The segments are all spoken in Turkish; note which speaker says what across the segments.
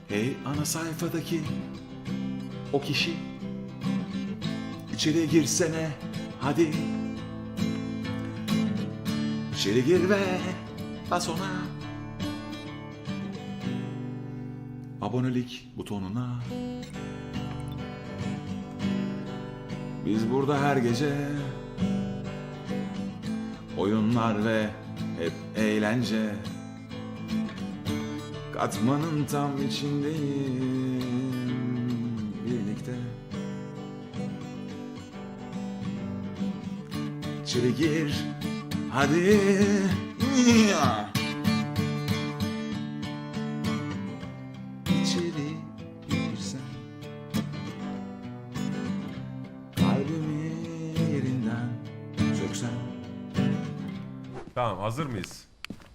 Speaker 1: Hey ana sayfadaki o kişi, içeri girsene hadi. İçeri gir ve bas ona abonelik butonuna. Biz burada her gece oyunlar ve hep eğlence. Katmanın tam içindeyim birlikte. İçeri gir hadi. İçeri girsen kalbimi yerinden söksen.
Speaker 2: Tamam, hazır mıyız?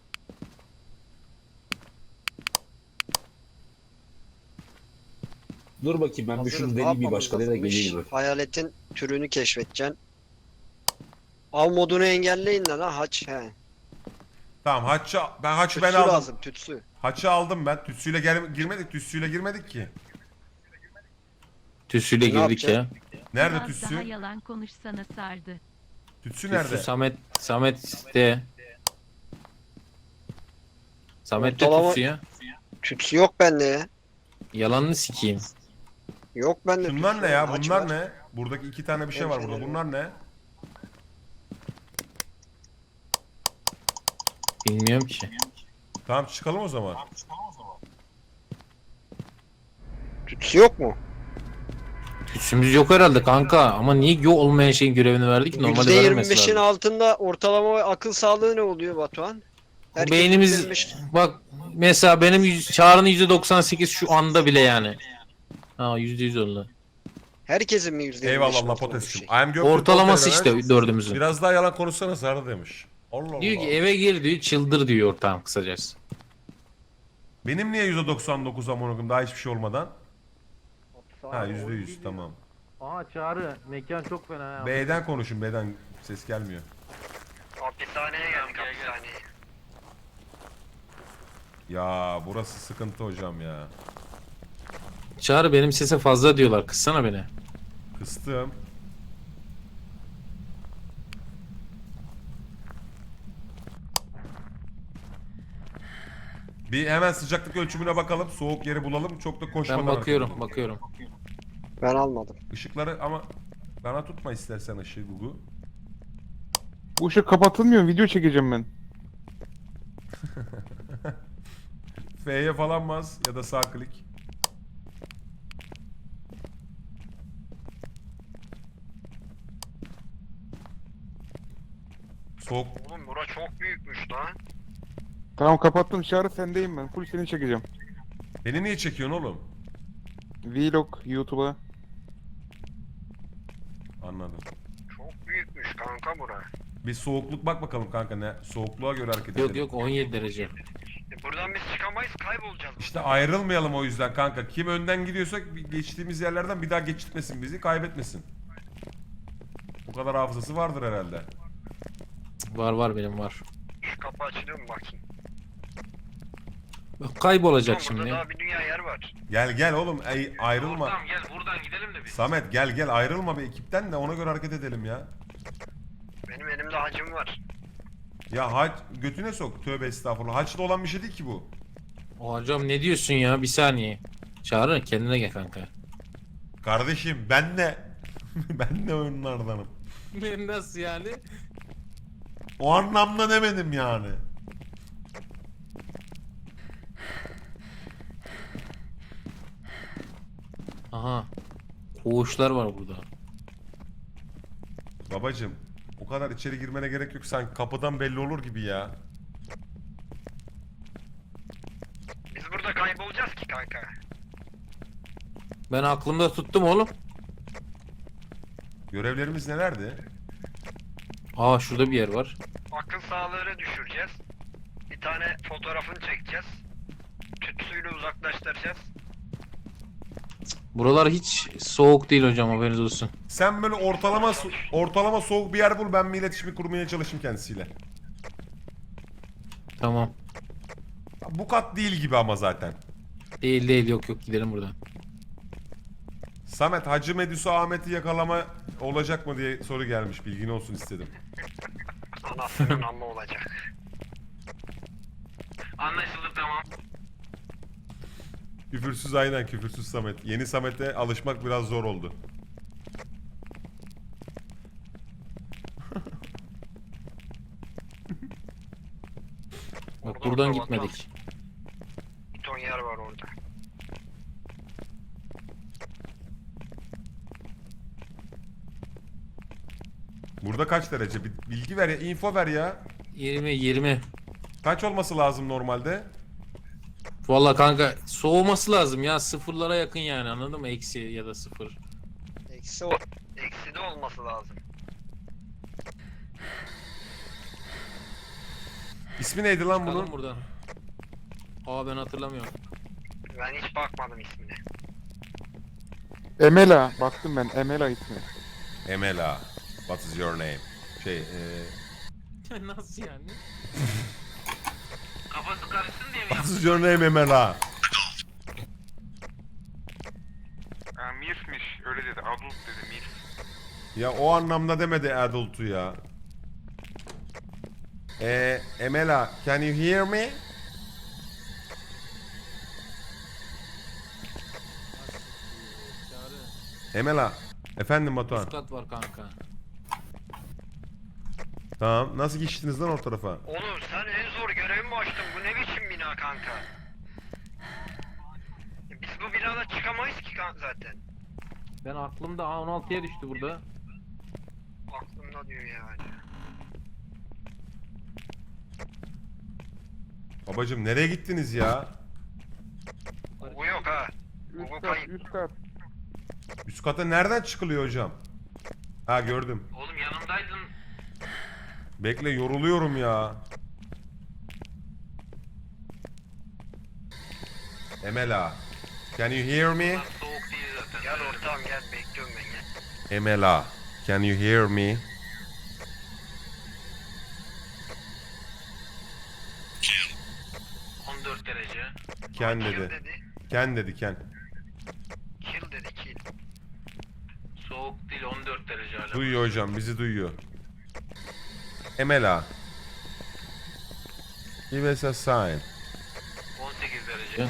Speaker 3: Dur bakayım ben bir
Speaker 4: Hazırız,
Speaker 3: şunu
Speaker 4: ne
Speaker 3: deneyeyim bir
Speaker 4: yapmamız
Speaker 3: başkalarıyla
Speaker 4: lazımmış?
Speaker 3: geleyim mi?
Speaker 4: Hayaletin türünü keşfedeceksin. Av modunu engelleyin lan ha haç he.
Speaker 2: Tamam, haçı ben
Speaker 4: Tütsü
Speaker 2: aldım.
Speaker 4: lazım tütsü.
Speaker 2: Haçı aldım ben. Tütsüyle girmedik ki.
Speaker 3: Tüsüyle
Speaker 4: Ne
Speaker 3: girdik ya.
Speaker 4: yapacaksın?
Speaker 2: Nerede
Speaker 5: Biraz
Speaker 2: tütsü?
Speaker 5: daha yalan konuşsana sardı.
Speaker 2: Tütsü nerede?
Speaker 3: Tüsü Samet de. Samet de
Speaker 4: Ortalama-
Speaker 3: tüsü ya.
Speaker 4: Tütsü yok bende ya.
Speaker 3: Yalanını sikeyim.
Speaker 4: Yok bende
Speaker 2: Bunlar
Speaker 4: tütsü.
Speaker 2: ne ya?
Speaker 4: Haç
Speaker 2: Bunlar
Speaker 4: var.
Speaker 2: ne? Buradaki iki tane bir şey var burada. Bunlar ne?
Speaker 3: Bilmiyorum ki.
Speaker 2: Tamam, çıkalım o zaman.
Speaker 4: Tütsü yok mu?
Speaker 3: Tüsümüz yok herhalde kanka. Ama niye yok olmayan şeyin görevini verdik? Normalde vermemesi
Speaker 4: %25'in
Speaker 3: lazım.
Speaker 4: altında ortalama akıl sağlığı ne oluyor Batuhan? Herkes
Speaker 3: Beynimiz
Speaker 4: %25
Speaker 3: bak mesela benim Çağrı'nın %98 şu anda bile yani. Ha %100 oldu.
Speaker 4: Herkesin mi %25'in
Speaker 2: Eyvallah
Speaker 4: altında bu
Speaker 2: Potes'cim.
Speaker 4: şey?
Speaker 2: I am Göktürk
Speaker 3: Ortalaması
Speaker 2: Ortay'la
Speaker 3: işte dördümüzün.
Speaker 2: Biraz daha yalan konuşsana Sarı demiş. Allah Allah.
Speaker 3: Diyor ki eve gir diyor çıldır diyor ortağım kısacası.
Speaker 2: Benim niye %99 amına koyayım daha hiçbir şey olmadan? Ha %100 tamam.
Speaker 6: Aa Çağrı, mekan çok fena ya.
Speaker 2: B'den konuşun, B'den ses gelmiyor.
Speaker 4: Hapishaneye geldik hapishaneye.
Speaker 2: Ya burası sıkıntı hocam ya.
Speaker 3: Çağrı benim sese fazla diyorlar kıssana beni.
Speaker 2: Kıstım. Bir hemen sıcaklık ölçümüne bakalım. Soğuk yeri bulalım. Çok da koşmadan.
Speaker 3: Ben bakıyorum
Speaker 2: hareket
Speaker 3: bakıyorum.
Speaker 4: Ben almadım.
Speaker 2: edelim. Işıkları ama bana tutma istersen ışığı Gugu.
Speaker 7: Bu ışık kapatılmıyor. Video çekeceğim ben.
Speaker 2: F'ye falan bas ya da sağ klik. Soğuk.
Speaker 4: Oğlum bura çok büyükmüş lan.
Speaker 7: Tamam kapattım. Çağrı sendeyim ben. Full seni çekeceğim.
Speaker 2: Beni niye çekiyorsun oğlum?
Speaker 7: Vlog YouTube'a.
Speaker 2: Anladım.
Speaker 4: Çok büyükmüş kanka bura.
Speaker 2: Bir soğukluk bak bakalım kanka ne? Soğukluğa göre hareket edelim.
Speaker 3: Yok yok 17 derece.
Speaker 4: Buradan biz çıkamayız kaybolacağız.
Speaker 2: İşte ayrılmayalım o yüzden kanka. Kim önden gidiyorsa geçtiğimiz yerlerden bir daha geçitmesin bizi, kaybetmesin. Bu kadar hafızası vardır herhalde.
Speaker 3: Var benim var.
Speaker 4: Şu kapı açılıyor mu bakayım?
Speaker 3: Kaybolacak
Speaker 4: Burada
Speaker 3: şimdi.
Speaker 4: daha bir dünya yer var.
Speaker 2: Gel oğlum, ayrılma.
Speaker 6: Gel buradan gidelim de biz.
Speaker 2: Samet gel ayrılma bir ekipten de ona göre hareket edelim ya.
Speaker 4: Benim elimde hacım var.
Speaker 2: Ya hac götüne sok, tövbe estağfurullah. Haçta olan bir şey değil ki bu.
Speaker 3: Hocam ne diyorsun ya bir saniye. Çağrı kendine gel kanka.
Speaker 2: Kardeşim ben de ben de oyunlardanım.
Speaker 3: Nasıl yani?
Speaker 2: O anlamda demedim yani.
Speaker 3: Aha. Koğuşlar var burada.
Speaker 2: Babacım o kadar içeri girmene gerek yok, sen kapıdan belli olur gibi ya.
Speaker 4: Biz burada kaybolacağız ki kanka.
Speaker 3: Ben aklımda tuttum oğlum.
Speaker 2: Görevlerimiz nelerdi?
Speaker 3: Aa şurada bir yer var.
Speaker 4: Akıl sağlığını düşüreceğiz. Bir tane fotoğrafını çekeceğiz. Tütsüyle uzaklaştıracağız.
Speaker 3: Buralar hiç soğuk değil hocam haberiniz olsun.
Speaker 2: Sen böyle ortalama soğuk bir yer bul, ben bir iletişimi kurmaya çalışayım kendisiyle.
Speaker 3: Tamam.
Speaker 2: Bu kat değil gibi ama zaten.
Speaker 3: Değil değil, yok yok, gidelim buradan.
Speaker 2: Samet, Hacı Medusa Ahmet'i yakalama olacak mı diye soru gelmiş. Bilgin olsun istedim.
Speaker 4: Anasının amma olacak.
Speaker 6: Anlaşıldı, tamam.
Speaker 2: Küfürsüz, aynen küfürsüz Samet. Yeni Samet'e alışmak biraz zor oldu.
Speaker 3: Bak buradan gitmedik.
Speaker 4: Bir ton yer var orada.
Speaker 2: Burada kaç derece? Bir bilgi ver ya, info ver ya.
Speaker 3: 20.
Speaker 2: Kaç olması lazım normalde?
Speaker 3: Valla kanka soğuması lazım ya, sıfırlara yakın yani, anladın mı? Eksi ya da sıfır.
Speaker 4: Eksi de olması lazım.
Speaker 2: İsmi neydi lan
Speaker 3: Çıkalım
Speaker 2: bunun?
Speaker 3: buradan. Aa, ben hatırlamıyorum.
Speaker 4: Ben hiç bakmadım ismine.
Speaker 7: Emela. Baktım ben. Emela ismi.
Speaker 2: Emela. What is your name?
Speaker 3: Nasıl yani?
Speaker 6: Kafası karışsın diye mi
Speaker 2: What
Speaker 6: yaptın?
Speaker 2: is your name Emela?
Speaker 8: Milf'miş öyle dedi. Adult dedi Milf.
Speaker 2: Ya o anlamda demedi adult'u ya. Emela, can you hear me? Emela. Efendim Batuhan.
Speaker 3: Üst kat var kanka.
Speaker 2: Tamam. Nasıl geçtiniz lan o tarafa?
Speaker 4: Oğlum sen en zor görevi mi açtın? Bu ne biçim bina kanka? Biz bu binada çıkamayız ki zaten.
Speaker 6: Ben aklımda A16'ya düştü burada.
Speaker 4: Aklımda diyor yani.
Speaker 2: Babacım nereye gittiniz ya?
Speaker 4: Bu yok ha.
Speaker 7: Üst
Speaker 4: Bu
Speaker 7: kat.
Speaker 4: kayıp.
Speaker 7: Üst kat.
Speaker 2: Üst kata nereden çıkılıyor hocam? Ha, gördüm.
Speaker 6: Oğlum yanımdaydın.
Speaker 2: Bekle, yoruluyorum ya. Emela. Can you hear me?
Speaker 6: Lan soğuk değil zaten.
Speaker 4: Gel ortağım gel bekliyorum ben gel.
Speaker 2: Emela. Can you hear me?
Speaker 6: Kill. 14 derece.
Speaker 2: Ken
Speaker 4: Kill
Speaker 2: dedi.
Speaker 4: dedi.
Speaker 2: Ken dedi Ken.
Speaker 4: Kill dedi kill.
Speaker 6: Soğuk değil, 14 derece hala.
Speaker 2: Duyuyor hocam, bizi duyuyor. Emela. Give us a sign.
Speaker 6: 18 derece.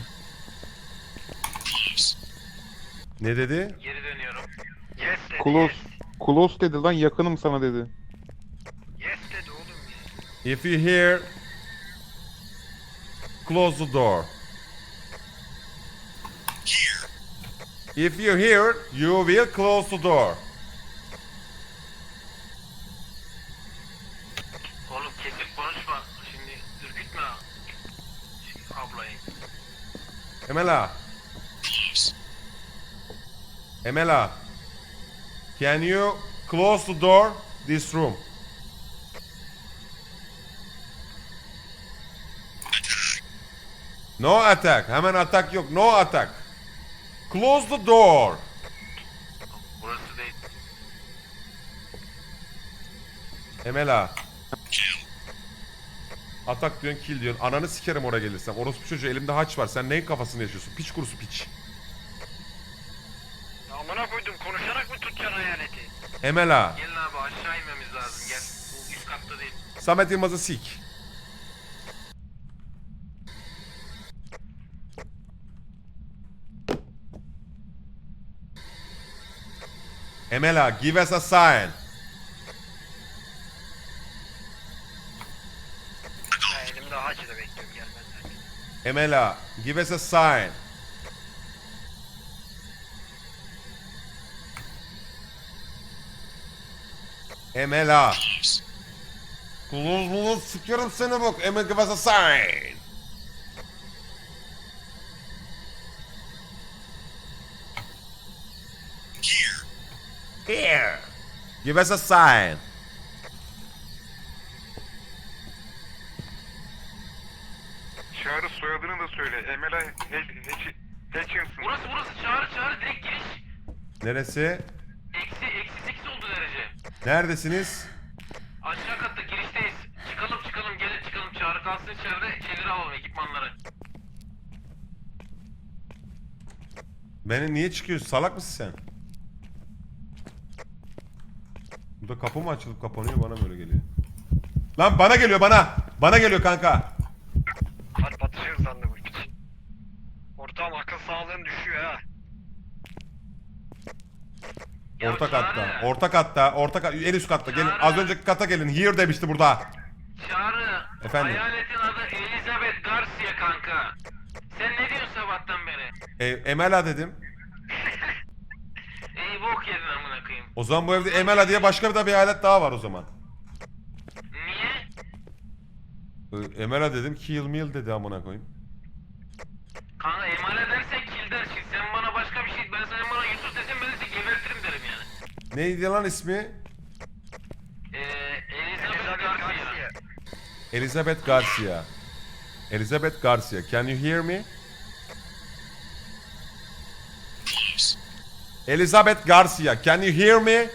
Speaker 2: Ne dedi?
Speaker 6: Geri dönüyorum.
Speaker 4: Yes dedi
Speaker 7: Close.
Speaker 4: yes.
Speaker 7: Close dedi lan, yakınım sana dedi.
Speaker 4: Yes dedi oğlum ya.
Speaker 2: If you hear, close the door. If you hear, you will close the door.
Speaker 6: Oğlum kesip konuşma. Şimdi ürkütme ablayı.
Speaker 2: Emela. Emela. Can you close the door this room? No attack. Hemen atak yok. No attack. Close the door.
Speaker 6: Burası değil.
Speaker 2: Emela. Atak diyorsun, kill diyorsun. Ananı sikerim oraya gelirsem. Orospu çocuğu, elimde haç var. Sen neyin kafasını yaşıyorsun? Piç kurusu piç.
Speaker 4: Ya amına koydum konuşarak mı tutacaksın hayaleti?
Speaker 2: Emela.
Speaker 6: Gelin abi, aşağı inmemiz lazım. Gel. Bu üst katta değil.
Speaker 2: Samet Yılmaz'ı sik. Emela, give us a sign.
Speaker 4: Ya elimde hacı da bekliyorum gelmezler.
Speaker 2: Emela, give us a sign. Emela. Kulun sikerim seni bak. Emela, give us a sign. Here. Give us a sign.
Speaker 8: Çağrı soyadını da söyle. Emela Hutchinson.
Speaker 6: Burası çağrı direkt giriş.
Speaker 2: Neresi?
Speaker 6: Eksi 8 oldu derece.
Speaker 2: Neredesiniz?
Speaker 6: Aşağı katta girişteyiz. Çıkalım gelin çıkalım. Çağrı kalsın içeride, şeyleri alalım, ekipmanları.
Speaker 2: Beni niye çıkıyorsun? Salak mısın sen? Burada kapı mı açılıp kapanıyor, bana böyle geliyor. Lan bana geliyor, bana. Bana geliyor kanka.
Speaker 4: Kalp atışıyor sandım bu piç. Ortam akıl sağlığın düşüyor ha.
Speaker 6: Ya
Speaker 2: Orta
Speaker 6: Çağrı,
Speaker 2: katta. Orta katta. En üst katta. Gelin. Az önceki kata gelin. Here demişti burada.
Speaker 6: Çağrı.
Speaker 2: Efendim?
Speaker 6: Hayaletin adı Elizabeth Garcia kanka. Sen ne diyorsun sabahtan beri?
Speaker 2: Emela dedim.
Speaker 6: İyi bok yedin amına koyayım.
Speaker 2: O zaman bu evde Emela diye başka bir hayalet daha var o zaman.
Speaker 6: Niye?
Speaker 2: Emela dedim. Kill meal dedi amına koyayım.
Speaker 6: Kanka emanet dersen kill dersin. Sen bana başka bir şey... Ben sana bana Yusuf desem ben de seni gebertirim derim yani.
Speaker 2: Neydi lan ismi?
Speaker 6: Elizabeth Garcia.
Speaker 2: Elizabeth Garcia. Elizabeth Garcia. Can you hear me? Elizabeth Garcia. Can you hear me?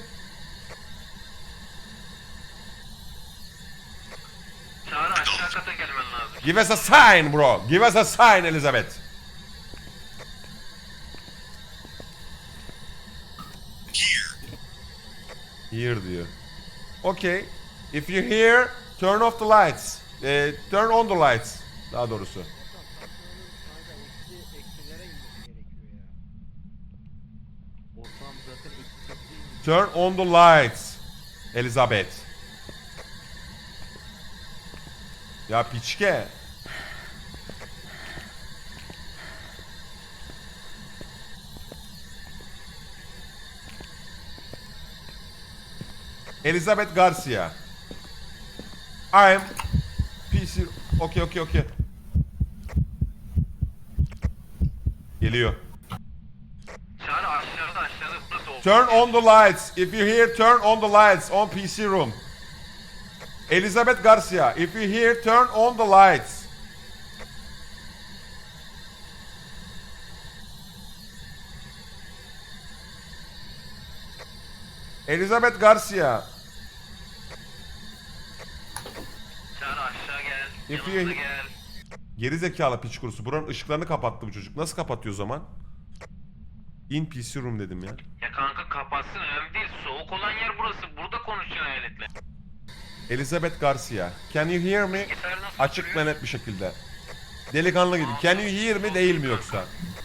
Speaker 6: Çağrı aşağı kata gelmen lazım.
Speaker 2: Give us a sign bro. Give us a sign Elizabeth. Here diyor. Okay. If you hear, turn off the lights. Turn on the lights. Daha doğrusu. Turn on the lights. Elizabeth. Ya piçke. Elizabeth Garcia. I'm PC. Okay. Geliyor.
Speaker 6: Çağrı aşağıda burası oldu.
Speaker 2: Turn on the lights. If you hear, turn on the lights on PC room. Elizabeth Garcia. If you hear, turn on the lights. Elizabeth Garcia.
Speaker 6: Çağrı aşağı gel.
Speaker 2: If
Speaker 6: Yanımıza
Speaker 2: you-
Speaker 6: gel.
Speaker 2: Geri zekalı piç kurusu. Buranın ışıklarını kapattı bu çocuk. Nasıl kapatıyor o zaman? In PC room dedim ya.
Speaker 6: Ya kanka kapatsın önemli değil. Soğuk olan yer burası. Burada konuşacaksın hayaletle.
Speaker 2: Elizabeth Garcia. Can you hear me?
Speaker 6: Bilgisayar nasıl
Speaker 2: Açık ve
Speaker 6: duruyor?
Speaker 2: net bir şekilde. Delikanlı gibi. Can you hear me değil mi yoksa?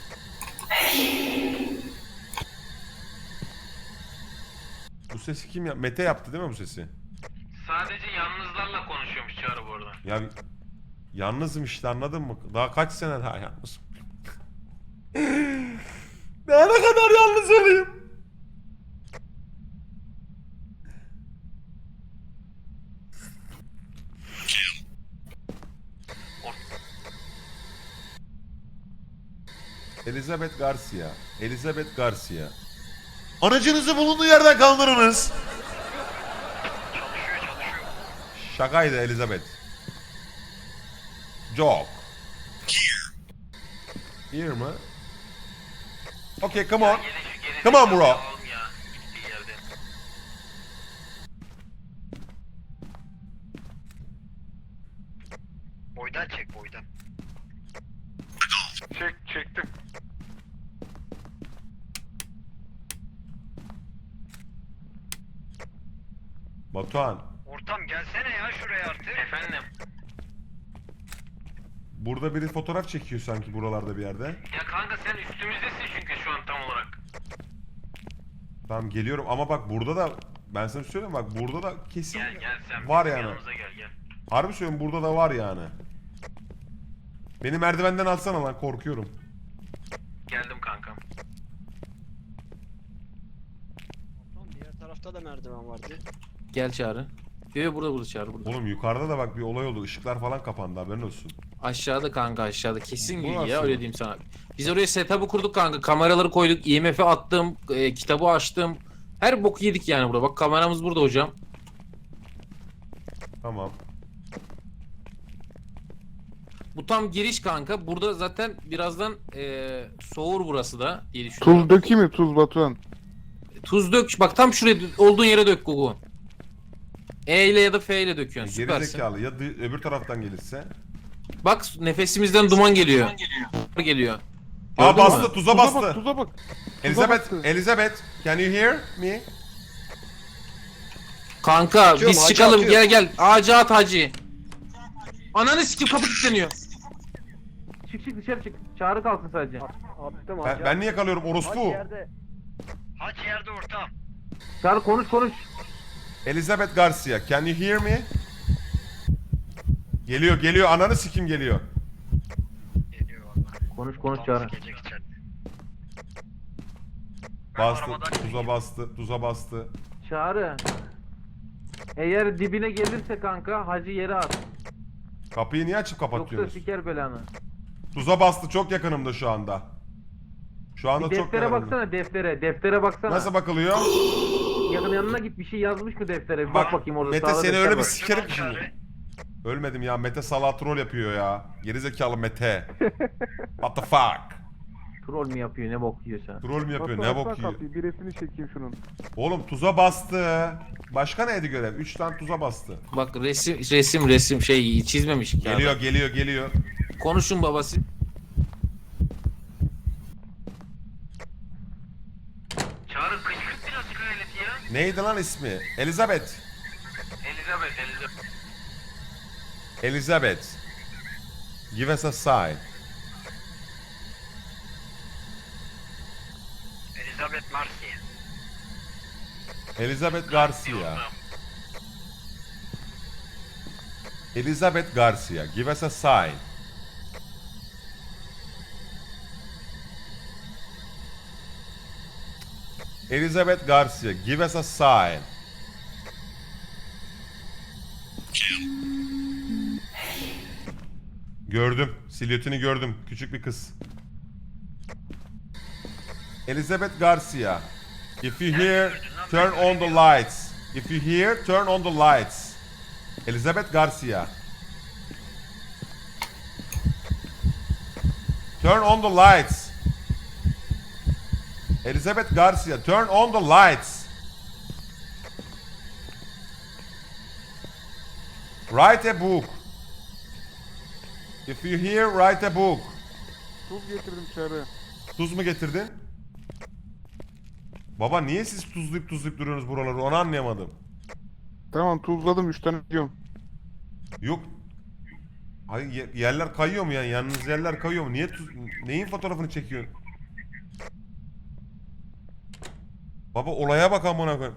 Speaker 2: Bu sesi kim ya? Mete yaptı değil mi bu sesi?
Speaker 6: Sadece yalnızlarla konuşuyormuş Çağrı bu arada.
Speaker 2: Ya yalnızım işte, anladın mı? Daha kaç sene daha yalnızım. Daha ne kadar yalnız olayım? Elizabeth Garcia. Elizabeth Garcia. Aracınızı bulunduğu yerden kaldırınız. Şakaydı Elizabeth. Joke. Here mı? Okay, come on. Come on, bro.
Speaker 6: Alalım ya. Gittiği yerde.
Speaker 4: Boydan çek boydan.
Speaker 8: Çektim.
Speaker 2: Batuhan,
Speaker 4: Ortam gelsene ya şuraya artık.
Speaker 6: Efendim.
Speaker 2: burada biri fotoğraf çekiyor sanki buralarda bir yerde.
Speaker 6: Ya kanka sen üstümüzdesin çünkü şu an tam olarak.
Speaker 2: Tamam geliyorum ama bak burada da, ben sana söyleyeyim bak, burada da kesin
Speaker 6: Gel sen.
Speaker 2: var
Speaker 6: bizim
Speaker 2: yani.
Speaker 6: Yanımıza gel.
Speaker 2: Harbi söylüyorum, burada da var yani. Beni merdivenden alsana lan, korkuyorum.
Speaker 6: Geldim kankam.
Speaker 4: Tamam, diğer tarafta da merdiven vardı.
Speaker 3: Gel Çağrı. Yo burada Çağrı burada.
Speaker 2: Oğlum yukarıda da bak bir olay oldu, ışıklar falan kapandı, haberin olsun.
Speaker 3: Aşağıda kanka aşağıda. Kesin
Speaker 2: Bu
Speaker 3: bilgi
Speaker 2: nasıl?
Speaker 3: ya öyle diyeyim sana. Biz oraya setup'ı kurduk kanka. Kameraları koyduk. IMF'i attım. Kitabı açtım. Her boku yedik yani burada. Bak kameramız burada hocam.
Speaker 2: Tamam.
Speaker 3: Bu tam giriş kanka. Burada zaten birazdan soğur burası da diye düşünüyorum.
Speaker 7: Tuz dökeyim mi tuz Batuhan?
Speaker 3: Tuz dök. Bak tam şuraya olduğun yere dök Gugu. E ile ya da F ile döküyorsun.
Speaker 2: Geri
Speaker 3: Süpersin.
Speaker 2: zekalı ya öbür taraftan gelirse.
Speaker 3: Bak nefesimizden duman geliyor. Geliyor.
Speaker 2: Aa
Speaker 3: Gördün mü?
Speaker 2: bastı, tuza bastı.
Speaker 7: Tuza bak.
Speaker 2: Elizabeth,
Speaker 7: bastı.
Speaker 2: Elizabeth, can you hear me?
Speaker 3: Kanka
Speaker 4: Atıyorum,
Speaker 3: biz
Speaker 4: hacı
Speaker 3: çıkalım,
Speaker 4: atıyorum.
Speaker 3: gel. Ağaca at hacı. Ananı sikim, kapı kilitleniyor. Çık dışarı çık. Çağrı kalsın sadece.
Speaker 4: Attım
Speaker 2: Ben niye kalıyorum orospu?
Speaker 4: Haç yerde ortam.
Speaker 3: Çağrı konuş.
Speaker 2: Elizabeth Garcia, can you hear me? Geliyor, ananı sikim geliyor.
Speaker 4: Geliyor vallahi.
Speaker 3: Konuş Çağrı.
Speaker 4: Gelecek içeride.
Speaker 2: Bastı,
Speaker 4: arabadan
Speaker 2: tuza bastı.
Speaker 3: Çağrı. Eğer dibine gelirse kanka hacı yere at.
Speaker 2: Kapıyı niye açıp
Speaker 3: Yoksa
Speaker 2: kapatıyorsunuz?
Speaker 3: siker belanı.
Speaker 2: Tuza bastı, çok yakınımda şu anda. Şu anda
Speaker 3: Bir
Speaker 2: çok
Speaker 3: deftere
Speaker 2: yakınımda.
Speaker 3: baksana, deftere baksana.
Speaker 2: Nasıl bakılıyor?
Speaker 3: Yanına git, bir şey yazmış mı deftere? Bir bak bakayım orada.
Speaker 2: Mete
Speaker 3: sağda
Speaker 2: seni
Speaker 3: defter
Speaker 2: öyle bir
Speaker 3: var.
Speaker 2: sikerim ki şimdi. Ölmedim ya, Mete salak troll yapıyor ya. Gerizekalı Mete. What the fuck?
Speaker 3: Troll mü yapıyor, ne bok yiyorsa.
Speaker 2: Troll mü yapıyor, ne
Speaker 7: Bak,
Speaker 2: bok
Speaker 7: bak,
Speaker 2: yiyor?
Speaker 7: kapıyı, bir resmini çekeyim şunun.
Speaker 2: Oğlum tuza bastı. Başka neydi görev? 3 tane tuza bastı.
Speaker 3: Bak resim şey çizmemiş ki.
Speaker 2: Geliyor.
Speaker 3: Konuşun babası.
Speaker 6: Çağrı kışkırt birazcık hayaleti ya.
Speaker 2: Neydi lan ismi? Elizabeth.
Speaker 6: Elizabeth.
Speaker 2: Elizabeth. Give us a sign.
Speaker 4: Elizabeth Marcy.
Speaker 2: Elizabeth Garcia. Elizabeth Garcia. Give us a sign. Elizabeth Garcia. Give us a sign. Gördüm. Silüetini gördüm. Küçük bir kız. Elizabeth Garcia. If you hear, turn on the lights. If you hear, turn on the lights. Elizabeth Garcia. Turn on the lights. Elizabeth Garcia, turn on the lights. Write a book. If you hear, write a book.
Speaker 7: Tuz getirdim Çağrı.
Speaker 2: Tuz mu getirdin? Baba niye siz tuzlayıp duruyorsunuz buraları, onu anlayamadım.
Speaker 7: Tamam tuzladım 3 tane diyorum.
Speaker 2: Yok. Hayır yerler kayıyor mu yani? Yalnız yerler kayıyor mu? Niye neyin fotoğrafını çekiyorsun? Baba olaya bak amına koyayım.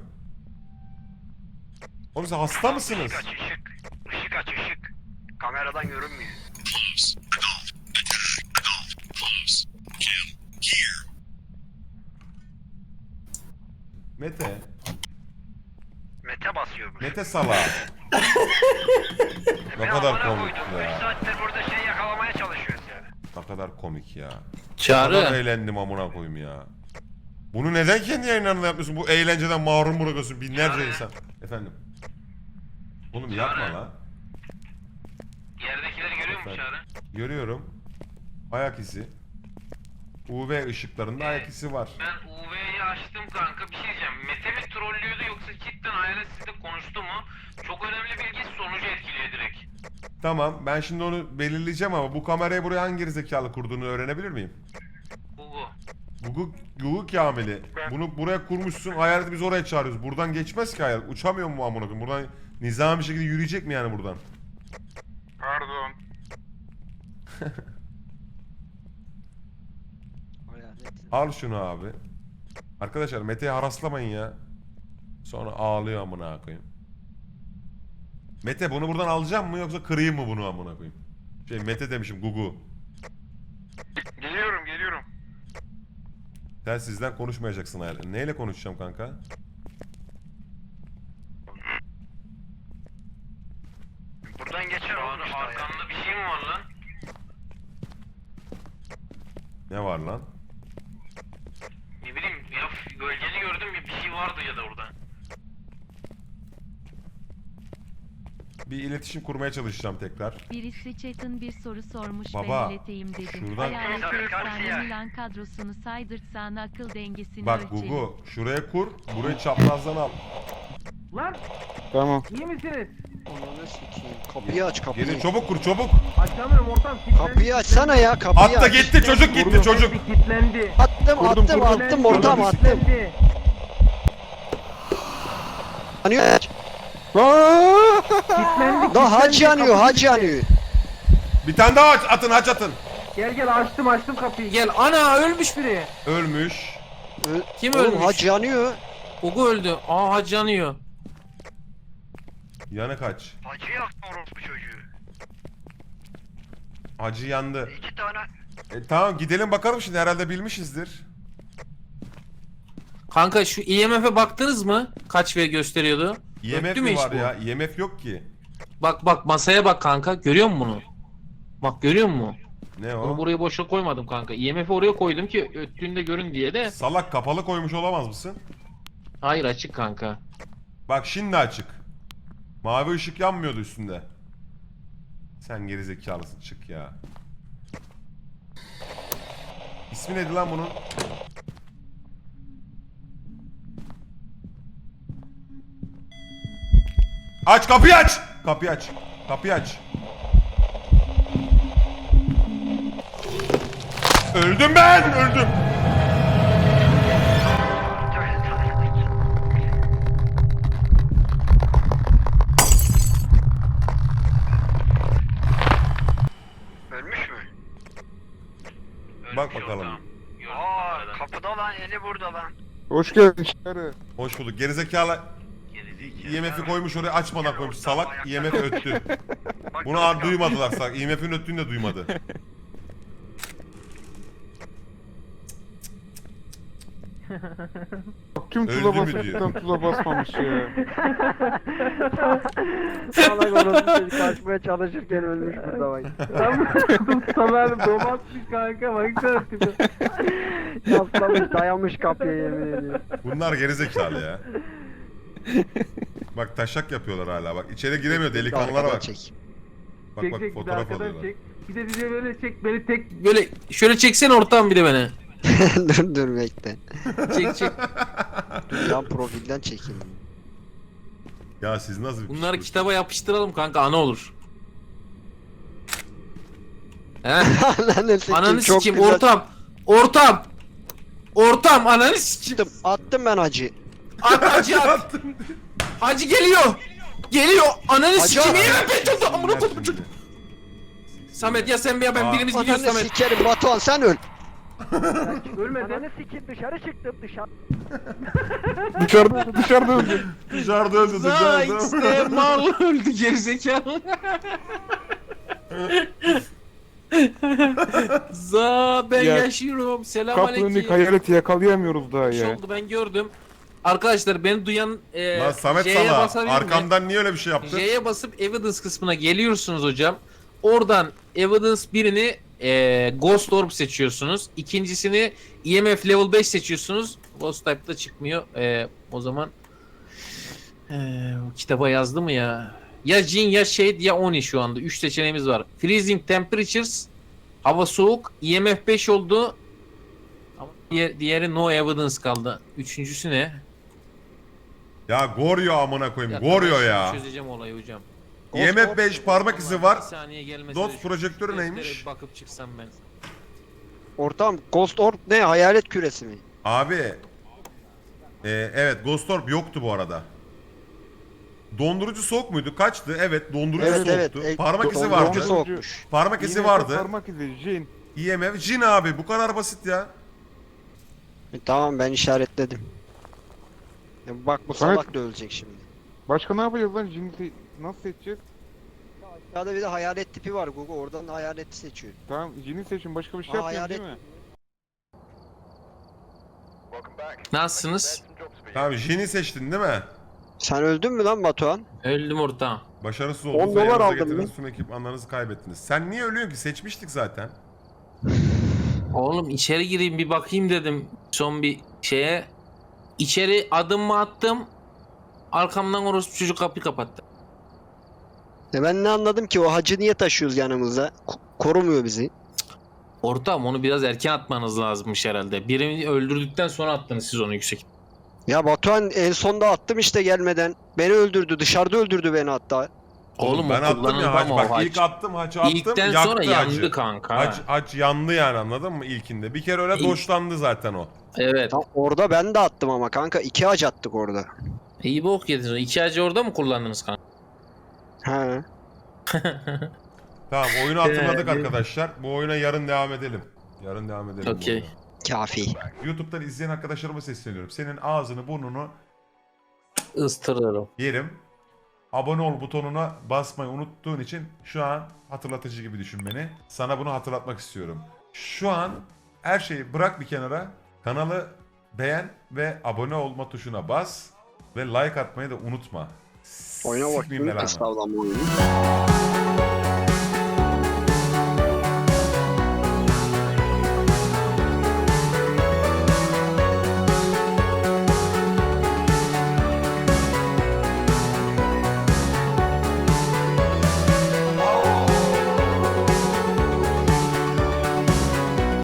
Speaker 2: Oğlum siz hasta mısınız?
Speaker 4: Işık aç ışık. Işık aç ışık. Kameradan görünmüyor.
Speaker 2: Mete.
Speaker 4: Mete basıyormuş.
Speaker 2: Mete salağı. Ne kadar komik
Speaker 4: 3
Speaker 2: ya.
Speaker 4: saattir burada şey yakalamaya çalışıyoruz yani.
Speaker 2: Ne kadar komik ya. Ne kadar
Speaker 3: Çağrı.
Speaker 2: eğlendim amına koyayım ya. Bunu neden kendi yayınlarında yapmıyorsun? Bu eğlenceden mahrum bırakıyorsun binlerce insan. Efendim. Oğlum yapma lan.
Speaker 6: Yerdekileri görüyor musun Çağrı?
Speaker 2: Görüyorum. Ayak izi. UV ışıklarında ayak izi var.
Speaker 6: Ben UV'yi açtım kanka, bir şey diyeceğim. Mete mi trollüyordu yoksa cidden hayalet sizle konuştu mu? Çok önemli bilgi sonucu etkiliyor direkt.
Speaker 2: Tamam ben şimdi onu belirleyeceğim ama bu kamerayı buraya hangi gerizekalı kurduğunu öğrenebilir miyim? Google Kamil'i. Bunu buraya kurmuşsun, hayaleti biz oraya çağırıyoruz. Buradan geçmez ki hayalet. Uçamıyor mu amına koyayım? Buradan nizami bir şekilde yürüyecek mi yani buradan?
Speaker 8: Pardon.
Speaker 2: Al şunu abi. Arkadaşlar Mete'yi haraslamayın ya. Sonra ağlıyor amına koyayım. Mete bunu buradan alacağım mı yoksa kırayım mı bunu amına koyayım? Mete demişim Gugu.
Speaker 8: Geliyorum.
Speaker 2: Sen sizden konuşmayacaksın hayal. Neyle konuşacağım kanka?
Speaker 4: Buradan geçer
Speaker 6: Çağrı
Speaker 4: oğlum işte ya.
Speaker 6: arkamda bir şey mi var lan?
Speaker 2: Ne var lan?
Speaker 6: Ne bileyim ya, gölgeni gördüm ya, bir şey vardı ya da orada.
Speaker 2: Bir iletişim kurmaya çalışacağım tekrar.
Speaker 5: Birisi chat'ın bir soru sormuş
Speaker 2: Baba,
Speaker 5: ben ileteyim dedim.
Speaker 2: şuradan-
Speaker 5: Hayaleti
Speaker 4: Karşıya.
Speaker 5: efsane Milan kadrosunu saydırtsan akıl dengesini
Speaker 2: Bak
Speaker 5: ölçelim.
Speaker 2: Gugu şuraya kur. Burayı çaprazdan al.
Speaker 3: Lan
Speaker 7: Tamam.
Speaker 3: iyi misiniz?
Speaker 4: Ananı sikeyim. Kapıyı aç kapıyı.
Speaker 2: Gelin çabuk kur çabuk.
Speaker 9: Açamıyorum ortam.
Speaker 4: Kapıyı açsana ya kapıyı
Speaker 2: At da
Speaker 4: aç.
Speaker 2: gitti çocuk gitti çocuk.
Speaker 9: Kilitlendi.
Speaker 4: Attım ortam attım.
Speaker 9: Kilitlendi.
Speaker 4: Yanıyor.
Speaker 7: Aa!
Speaker 9: Kilitlendi.
Speaker 4: Da hac
Speaker 9: kilitlendi,
Speaker 4: yanıyor
Speaker 9: kapı
Speaker 4: hac
Speaker 9: kilitli.
Speaker 4: yanıyor.
Speaker 2: Bir tane daha aç atın haç atın.
Speaker 9: Gel açtım kapıyı.
Speaker 3: Gel ana ölmüş biri.
Speaker 2: Ölmüş.
Speaker 3: Kim
Speaker 4: Oğlum
Speaker 3: ölmüş?
Speaker 4: hac yanıyor.
Speaker 3: Gugu öldü. Aa hac yanıyor.
Speaker 2: Yanık haç.
Speaker 8: Hacı yaktı orospu çocuğu.
Speaker 2: Hacı yandı.
Speaker 8: 2 tane.
Speaker 2: Tamam gidelim bakalım şimdi herhalde bilmişizdir.
Speaker 3: Kanka şu IMF'e baktınız mı? Kaç V gösteriyordu?
Speaker 2: IMF
Speaker 3: Öttü mü
Speaker 2: mi
Speaker 3: hiç
Speaker 2: var
Speaker 3: bu?
Speaker 2: ya? IMF yok ki.
Speaker 3: Bak masaya bak kanka. Görüyor musun bunu? Bak görüyor musun?
Speaker 2: Ne
Speaker 3: Bunu
Speaker 2: o?
Speaker 3: buraya boşa koymadım kanka. IMF'i oraya koydum ki öttüğünde görün diye de.
Speaker 2: Salak kapalı koymuş olamaz mısın?
Speaker 3: Hayır açık kanka.
Speaker 2: Bak şimdi açık. Mavi ışık yanmıyordu üstünde. Sen gerizekalısın çık ya. İsmi neydi lan bunun? Aç kapıyı aç! Kapıyı aç. Kapıyı aç. Öldüm ben! Öldüm.
Speaker 8: Ölmüş mü?
Speaker 2: Bak bakalım.
Speaker 8: Aa kapıda lan eli burada lan.
Speaker 7: Hoş geldin Çağrı.
Speaker 2: Hoş bulduk. Gerizekalı IMF'i koymuş oraya açmadan koymuş. Salak IMF öttü. Bunu duymadılar salak. IMF'in öttüğünü de duymadı.
Speaker 7: Bak tüm
Speaker 2: Öldü
Speaker 7: tuza
Speaker 2: mü
Speaker 7: basmaktan tuza basmamış ya.
Speaker 4: Salak orası çocuk kaçmaya çalışırken ölmüş burada bak.
Speaker 9: Samer domatmış kanka baksana tipi.
Speaker 4: Yaslamış dayamış kapıya yemin ediyorum.
Speaker 2: Bunlar gerizekalı ya. Bak taşak yapıyorlar hala bak. İçeri giremiyor delikanlılara
Speaker 4: Arkadan
Speaker 2: bak.
Speaker 4: çek.
Speaker 2: Bak
Speaker 9: Çek
Speaker 2: bak
Speaker 9: çek bir de
Speaker 2: fotoğraf
Speaker 9: arkadan
Speaker 2: alıyorlar.
Speaker 9: çek. Bir de bize böyle çek beni tek.
Speaker 3: Böyle şöyle çeksene ortam bir de beni.
Speaker 4: dur bekle.
Speaker 3: Çek.
Speaker 4: Dur yan profilden çekeyim.
Speaker 2: Ya siz nasıl bir
Speaker 3: Bunları
Speaker 2: psikolojik-
Speaker 3: kitaba yapıştıralım kanka ana olur. He?
Speaker 4: Ananı sikeyim
Speaker 3: Ananı
Speaker 4: çok
Speaker 3: sikeyim
Speaker 4: güzel.
Speaker 3: Ortam ananı sikeyim.
Speaker 4: Attım ben hacı.
Speaker 3: Hacı at. Hacı geliyor. Ananı
Speaker 4: Hacı
Speaker 3: sikeyim.
Speaker 4: at.
Speaker 3: İyi ben tuttum. Amına
Speaker 2: Sinirler
Speaker 3: koydum.
Speaker 2: şimdi.
Speaker 3: Samet ya sen bir ya ben
Speaker 2: Aa.
Speaker 3: birimiz gidiyoruz
Speaker 4: Ananı
Speaker 3: Samet.
Speaker 4: sikerim Batuhan sen öl.
Speaker 9: Ölmedi.
Speaker 4: Ananı sikeyim dışarı çıktım dışarı.
Speaker 7: Dışarıda öldü.
Speaker 2: Dışarıda öldü
Speaker 3: Za
Speaker 2: dışarıda.
Speaker 3: işte mal öldü gerizekalı. Za ben
Speaker 7: Ya,
Speaker 3: yaşıyorum. Selam
Speaker 7: Kapının
Speaker 3: aleyküm.
Speaker 7: hayaleti yakalayamıyoruz daha
Speaker 3: Bir şey
Speaker 7: ya.
Speaker 3: oldu ben gördüm. Arkadaşlar beni duyan
Speaker 2: Lan Samet
Speaker 3: J'ye
Speaker 2: sana
Speaker 3: basabilir mi?
Speaker 2: arkamdan niye öyle bir şey yaptın?
Speaker 3: J'ye basıp evidence kısmına geliyorsunuz hocam. Oradan evidence birini Ghost Orb seçiyorsunuz. İkincisini EMF level 5 seçiyorsunuz. Ghost Type'da çıkmıyor. O zaman kitaba yazdı mı ya? Ya Jin ya Shade ya Oni şu anda. 3 seçeneğimiz var. Freezing Temperatures, hava soğuk, EMF 5 oldu. Ama diğeri No Evidence kaldı. Üçüncüsü ne?
Speaker 2: Ya Goryo amına
Speaker 3: Bir
Speaker 2: koyayım.
Speaker 3: dakika,
Speaker 2: Goryo
Speaker 3: ben
Speaker 2: ya.
Speaker 3: şimdi çözeceğim olayı hocam.
Speaker 2: IMF 5 parmak izi var.
Speaker 3: Bir saniye gelmesine
Speaker 2: Dots
Speaker 3: şu
Speaker 2: projektörü
Speaker 3: deftere
Speaker 2: neymiş?
Speaker 3: bir bakıp çıksam ben.
Speaker 4: Ortam Ghost Orb ne hayalet küresi mi?
Speaker 2: Abi. Evet Ghost Orb yoktu bu arada. Dondurucu soğuk muydu? Kaçtı? Evet dondurucu
Speaker 4: Evet
Speaker 2: soğuktu.
Speaker 4: evet.
Speaker 2: Parmak izi
Speaker 4: Dondurucu
Speaker 2: vardı.
Speaker 4: soğukmuş.
Speaker 2: Parmak izi
Speaker 7: Yine
Speaker 2: vardı.
Speaker 7: Parmak izi, Jin.
Speaker 2: IMF Jin abi bu kadar basit ya.
Speaker 4: Tamam ben işaretledim. Ya bak bu
Speaker 7: Samet-
Speaker 4: salak da ölecek şimdi.
Speaker 7: Başka ne yapacağız lan? Jin'i nasıl seçeceğiz?
Speaker 4: Aşağıda bir de hayalet tipi var Google oradan hayaleti seçiyor.
Speaker 7: Tamam Jin'i seçin, başka bir şey
Speaker 4: Aa,
Speaker 7: yapmayalım değil
Speaker 4: hayalet-
Speaker 7: mi?
Speaker 3: Nasılsınız?
Speaker 2: Tamam Jin'i seçtin değil mi?
Speaker 4: Sen öldün mü lan Batuhan?
Speaker 3: Öldüm ortağım.
Speaker 2: Başarısız
Speaker 4: 10
Speaker 2: oldunuz ve
Speaker 4: dolar
Speaker 2: yanınıza
Speaker 4: aldım
Speaker 2: getirdiğiniz
Speaker 4: ben.
Speaker 2: tüm ekipmanlarınızı kaybettiniz. Sen niye ölüyorsun ki? Seçmiştik zaten.
Speaker 3: Oğlum içeri gireyim bir bakayım dedim son bir şeye. İçeri adımımı attım. Arkamdan orospu çocuk kapıyı kapattı.
Speaker 4: Ben ne anladım ki o hacı niye taşıyoruz yanımızda? Korumuyor bizi.
Speaker 3: Ortağım onu biraz erken atmanız lazımmış herhalde. Birini öldürdükten sonra attınız siz onu yüksek.
Speaker 4: Ya Batuhan en sonda attım işte gelmeden. Beni öldürdü dışarıda öldürdü beni hatta.
Speaker 3: Oğlum
Speaker 2: ben
Speaker 3: o
Speaker 2: attım ya
Speaker 3: kullanıldı
Speaker 2: haç.
Speaker 3: ama o
Speaker 2: Bak
Speaker 3: haç.
Speaker 2: ilk attım haçı attım.
Speaker 3: İlkten
Speaker 2: yaktı
Speaker 3: sonra
Speaker 2: hacı.
Speaker 3: yandı kanka.
Speaker 2: Haç yandı yani, anladın mı ilkinde? Bir kere öyle
Speaker 3: İlk-
Speaker 2: doşlandı zaten o.
Speaker 3: Evet.
Speaker 4: Tam orada ben de attım ama kanka 2 hac attık orada.
Speaker 3: İyi bok yediniz. 2 hacı orada mı kullandınız kanka?
Speaker 4: He.
Speaker 2: Tamam, oyunu hatırladık
Speaker 3: Ee,
Speaker 2: arkadaşlar. Bu oyuna yarın devam edelim. Yarın devam edelim. bu
Speaker 3: Okey.
Speaker 2: oyuna.
Speaker 4: Kafi.
Speaker 2: YouTube'dan izleyen arkadaşlarıma sesleniyorum. Senin ağzını burnunu
Speaker 3: Istırırım.
Speaker 2: yerim. Abone ol butonuna basmayı unuttuğun için şu an hatırlatıcı gibi düşün beni. Sana bunu hatırlatmak istiyorum. Şu an her şeyi bırak bir kenara. Kanalı beğen ve abone olma tuşuna bas. Ve like atmayı da unutma.
Speaker 4: Oyuna
Speaker 2: Sikmeyeyim
Speaker 4: bakayım
Speaker 2: belanı.
Speaker 4: kıstavlama oyunu.